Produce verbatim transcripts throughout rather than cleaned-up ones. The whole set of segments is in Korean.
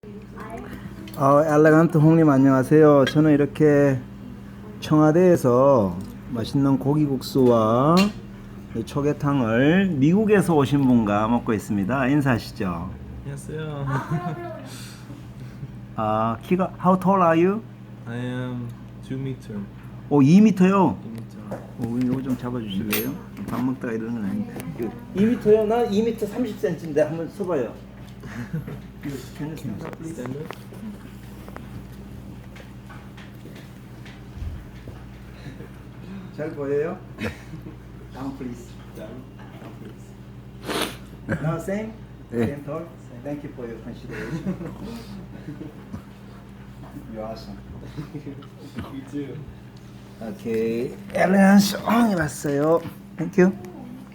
어, 엘레간트 홍님 안녕하세요. 저는 이렇게 청와대에서 맛있는 고기국수와 이 초계탕을 미국에서 오신 분과 먹고 있습니다. 인사하시죠. 안녕하세요. 아, 키가 How tall are you? I am two meter. 오, 이 미터요. two meter. 오, 이거 좀 잡아주실래요? 밥 먹다가 이러는 건 아닌데. 이 미터요? 나 이 미터 삼십 센티미터인데 한번 써봐요. Stand up. 잘 보여요? Down please. Down. Down please. Now same? 네. Same tall? Thank you for your consideration. You're awesome. You too. 오케이. 엘레간스 엉이 왔어요. Thank you.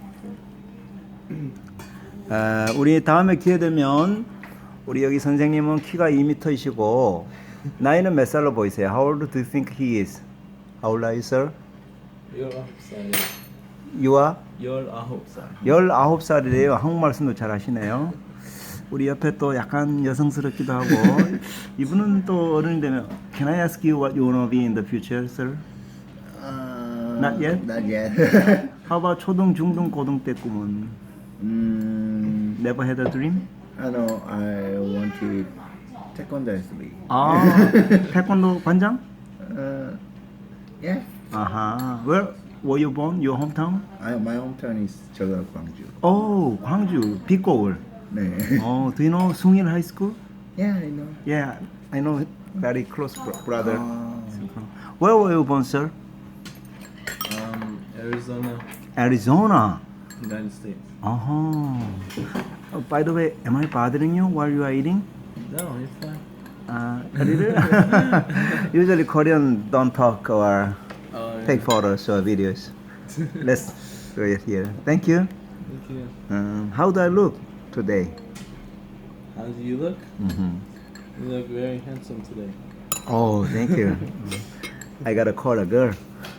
아, 우리 다음에 기회 되면 우리 여기 선생님은 키가 이 미터이시고 나이는 몇 살로 보이세요? How old do you think he is? How old are you, sir? 열아홉 살. You are? 열아홉 살. 열아홉 살이래요. 한국말 말씀도 잘 하시네요. 우리 옆에 또 약간 여성스럽기도 하고 이분은 또 어른이 되면 Can I ask you what you want to be in the future, sir? Uh, Not yet? Not yet. How about 초등, 중등, 고등 때 꿈은? mm, Never had a dream? I know. I want to taekwondo athlete. 아, 태권도 관장? Uh, yeah. 아하. Where were you born? Your hometown? I, my hometown is Jeolla, Gwangju. Oh, 광주, 빅고울. 네. Oh, do you know Sungil High School? Yeah, I know. Yeah, I know very close bro- brother. Oh. Where were you born, sir? Um, Arizona, Arizona. United States. Uh-huh. Oh, by the way, am I bothering you while you are eating? No, you're fine. Uh, a little? Usually Korean don't talk or Oh, yeah. take photos or videos. Let's do it here. Thank you. Thank you. Um, how do I look today? How do you look? Mm-hmm. You look very handsome today. Oh, thank you. I gotta call a girl.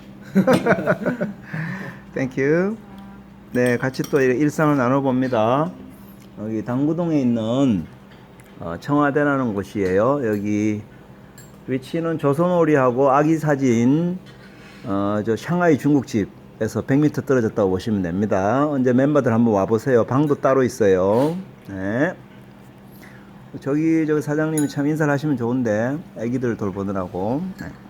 Thank you. 네, 같이 또 일상을 나눠봅니다. 여기 당구동에 있는 어, 청와대라는 곳이에요. 여기 위치는 조선오리하고 아기 사진 어, 저 샹하이 중국집에서 백 미터 떨어졌다고 보시면 됩니다. 언제 멤버들 한번 와보세요. 방도 따로 있어요. 네. 저기 저기 사장님이 참 인사를 하시면 좋은데 애기들 돌보느라고. 네.